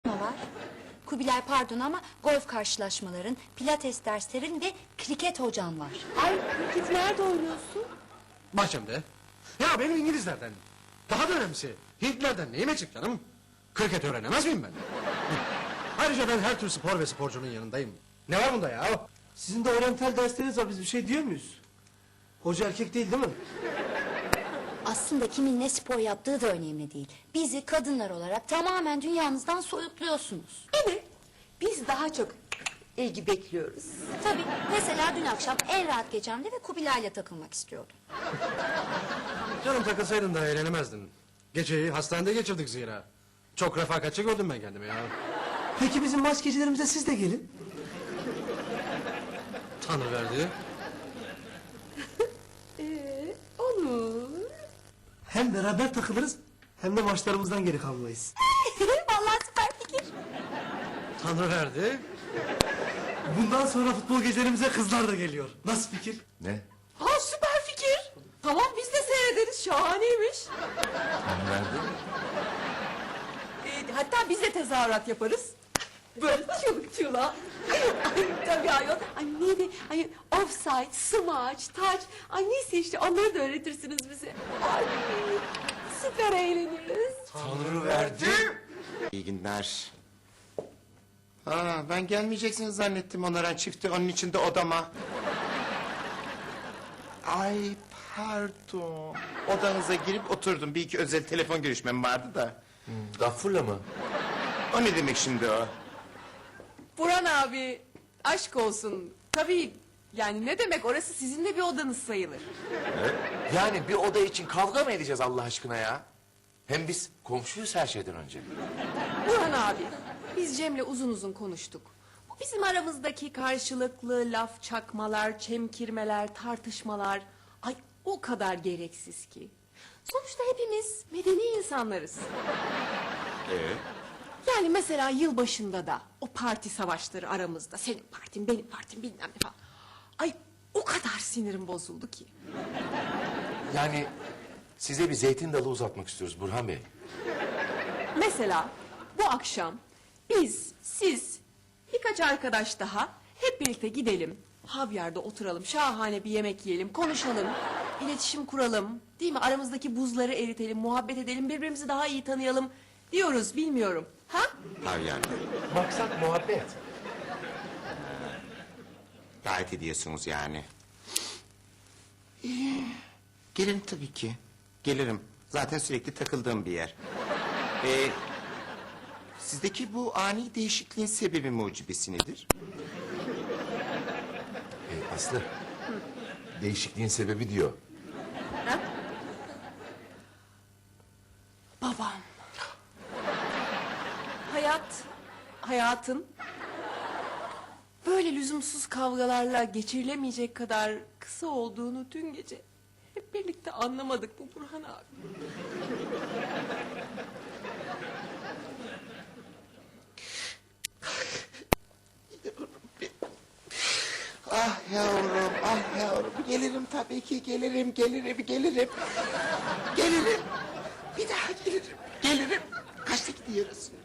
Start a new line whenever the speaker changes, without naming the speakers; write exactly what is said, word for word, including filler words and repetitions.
var. Kubilay pardon ama golf karşılaşmaların, pilates derslerin ve kriket hocan var.
Ay kriket nerede oynuyorsun?
Bahçemde. Ya benim İngilizlerden, daha da önemlisi Hintlerden neyime çık canım? Kriket öğrenemez miyim ben? Ayrıca ben her tür spor ve sporcunun yanındayım. Ne var bunda ya?
Sizin de oryantal dersleriniz var, biz bir şey diyor muyuz? Hoca erkek değil değil mi?
Aslında kimin ne spor yaptığı da önemli değil. Bizi kadınlar olarak tamamen dünyanızdan soyutluyorsunuz.
Evet. Biz daha çok ilgi bekliyoruz.
Tabii mesela dün akşam en rahat gecemde ve Kubilay'la takılmak istiyordum.
Canım takılsaydın da eğlenemezdin. Geceyi hastanede geçirdik zira. Çok refakatçi gördüm ben kendimi ya.
Peki bizim maç gecelerimize siz de gelin.
Tanrı verdi.
Ee, olur.
Hem beraber takılırız hem de maçlarımızdan geri kalmayız.
Vallahi süper fikir.
Tanrı verdi.
Bundan sonra futbol gecelerimize kızlar da geliyor. Nasıl fikir?
Ne?
Ha süper fikir. Tamam biz de seyrederiz. Şahaneymiş.
Tanrı verdi.
Ee, hatta biz de tezahürat yaparız. Böyle çabuk çula. Ay tabii ayol. Ay neydi? Ay offside, smaç, taç. Ay neyse işte onları da öğretirsiniz bize. Ay süper eğleniriz.
Tanrı verdi. İyi günler. Aa, ben gelmeyeceksiniz zannettim onlara çifti onun içinde odama. Ay pardon. Odanıza girip oturdum. Bir iki özel telefon görüşmem vardı da.
Gaffurla mı?
O ne demek şimdi o?
Burhan abi aşk olsun. Tabii yani ne demek orası sizin de bir odanız sayılır.
Yani bir oda için kavga mı edeceğiz Allah aşkına ya? Hem biz komşuyuz her şeyden önce.
Burhan abi biz Cem'le uzun uzun konuştuk. Bu bizim aramızdaki karşılıklı laf çakmalar, çemkirmeler, tartışmalar... Ay o kadar gereksiz ki. Sonuçta hepimiz medeni insanlarız.
Ee?
Yani mesela yılbaşında da o parti savaşları aramızda. Senin partin, benim partim bilmem ne falan. Ay o kadar sinirim bozuldu ki.
Yani size bir zeytin dalı uzatmak istiyoruz Burhan Bey.
Mesela bu akşam biz, siz, birkaç arkadaş daha hep birlikte gidelim. Havyarda oturalım, şahane bir yemek yiyelim, konuşalım, iletişim kuralım. Değil mi? Aramızdaki buzları eritelim, muhabbet edelim, birbirimizi daha iyi tanıyalım diyoruz, bilmiyorum. Ha?
Havyan.
Maksat muhabbet.
Gayet ediyorsunuz yani. İyi. Gelirim tabii ki. Gelirim. Zaten sürekli takıldığım bir yer. Ee, sizdeki bu ani değişikliğin sebebi mucibesi nedir?
Ee, Aslı. Değişikliğin sebebi diyor.
Babam. Hayat, hayatın böyle lüzumsuz kavgalarla geçirilemeyecek kadar kısa olduğunu dün gece hep birlikte anlamadık mı Burhan abi?
Ah yavrum, ah yavrum. Gelirim tabii ki, gelirim, gelirim, gelirim. Gelirim. Bir daha gelirim, gelirim. Kaçta gidiyoruz?